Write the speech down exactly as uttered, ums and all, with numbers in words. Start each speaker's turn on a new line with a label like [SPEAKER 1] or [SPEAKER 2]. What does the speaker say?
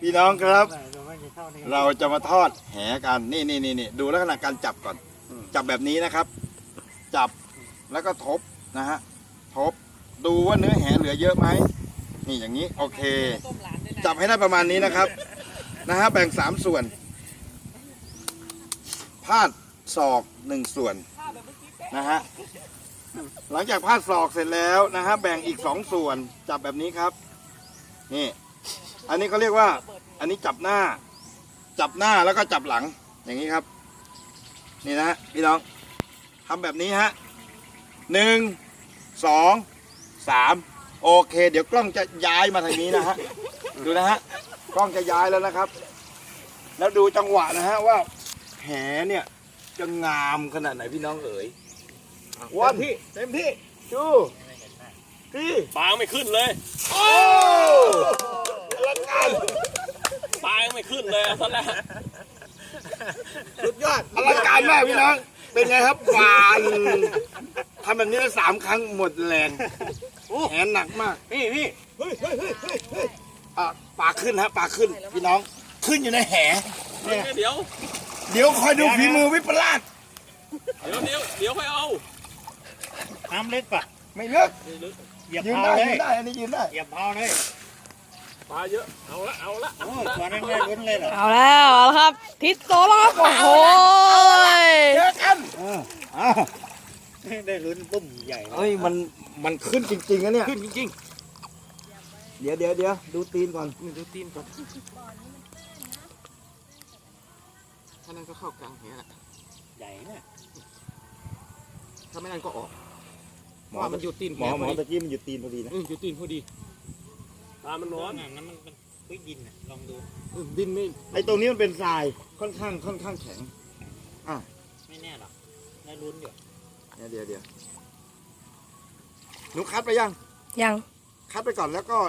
[SPEAKER 1] พี่น้องครับ เราจะมาทอดแหกันนี่นี่นี่นี่ดูลักษณะการจับก่อน จับแบบนี้นะครับ จับแล้วก็ทบนะฮะทบดูว่าเนื้อแหเหลือเยอะไหมนี่อย่างนี้โอเค จับให้ได้ประมาณนี้นะครับนะฮะแบ่งสามส่วนพาดศอกหนึ่งส่วนนะฮะหลังจากพาดศอกเสร็จแล้วนะฮะแบ่งอีกสองส่วนจับแบบนี้ครับนี่อันนี้เขาเรียกว่าอันนี้จับหน้า จับหน้าแล้วก็จับหลังอย่างนี้ครับนี่นะฮะพี่น้องทำแบบนี้ฮะหนึ่งสองสามโอเคเดี๋ยวกล้องจะย้ายมาทางนี้นะฮะดูนะฮะกล้องจะย้ายแล้วนะครับ แล้วดูจังหวะนะฮะว่าแหเนี่ยจะงามขนาดไหนพี่น้องเอ๋ยวันที่เต็มที่ดูที่
[SPEAKER 2] ปลาไม่ขึ้นเลย
[SPEAKER 1] โอ้ลังการ
[SPEAKER 2] ปลาไม่ขึ้นเลยตอนแรก
[SPEAKER 1] สุดยอดอลังการมากพี่น้องเป็นไงครับหวานทำแบบนี้สามครั้งหมดแรงแหหนักมากนี่นี่เฮ้ยเฮ้ยเฮ้ยเฮ้ยเฮ้ยอ่ะปลาขึ้นฮะปลาขึ้นพี่น้องขึ้นอยู่ในแหเนี่ย
[SPEAKER 2] เดี๋ยว
[SPEAKER 1] เดี๋ยวคอยดูฝีมือวิปลาส
[SPEAKER 2] เดี๋ยวเดี๋ยวเดี๋ยวค่อยเอา
[SPEAKER 3] น้ำลึกป่ะ
[SPEAKER 1] ไม่เลิก
[SPEAKER 3] เหยียบ
[SPEAKER 1] ยืน
[SPEAKER 3] เท้า
[SPEAKER 1] ได้
[SPEAKER 3] เล
[SPEAKER 1] ยื
[SPEAKER 3] ย
[SPEAKER 1] นได้อันนี้ยืนได้
[SPEAKER 3] เหยียบเท้าเลย
[SPEAKER 2] ปลาเยอะเอาละเอาละ
[SPEAKER 3] โอ้ตัวนั้นได้ลุ้นเลยเหรอ
[SPEAKER 4] เอาแล้วเอาแล้วครับ ทิศโตแล้วครับโอ้โห
[SPEAKER 1] เจอกัน
[SPEAKER 3] เอออ้าวได้ลุ้นปุ้มใหญ่เลย
[SPEAKER 1] เฮ้ยมันมันขึ้นจริงๆนะเนี่ย
[SPEAKER 2] ขึ้นจริง
[SPEAKER 1] เดี๋ยวเดี๋ยวเดี๋ยวดูตีนก่อน
[SPEAKER 2] ๆนี่ดูตีนก่อนถ้านั่นก็เข้ากลางแหละ
[SPEAKER 3] ใหญ่เนี่ย
[SPEAKER 2] ถ้าไม่นั่นก็ออกเพราะว่ามันอยู่ตีน
[SPEAKER 1] ห
[SPEAKER 2] แห
[SPEAKER 1] มอหมอ
[SPEAKER 2] พอ
[SPEAKER 1] ตะ
[SPEAKER 2] ดี
[SPEAKER 1] กี้มันอยู่ตีนพอดีนะ
[SPEAKER 2] เอออยู่ตีนพอดีปลามันร้อน
[SPEAKER 3] นั่นมันมันพื้นดินน่ะลองดู
[SPEAKER 2] เออดินไม่
[SPEAKER 1] ไอ้ตรงนี้มันเป็นทรายค่อนข้างค่อนข้างแข็ง
[SPEAKER 3] ไม่แน่หรอกได้ลุ้นอยู่
[SPEAKER 1] เดี๋ยวเดี๋ยวเดี๋ยวหนูคัดไปยัง
[SPEAKER 4] ยัง
[SPEAKER 1] คัดไปก่อนแล้วก็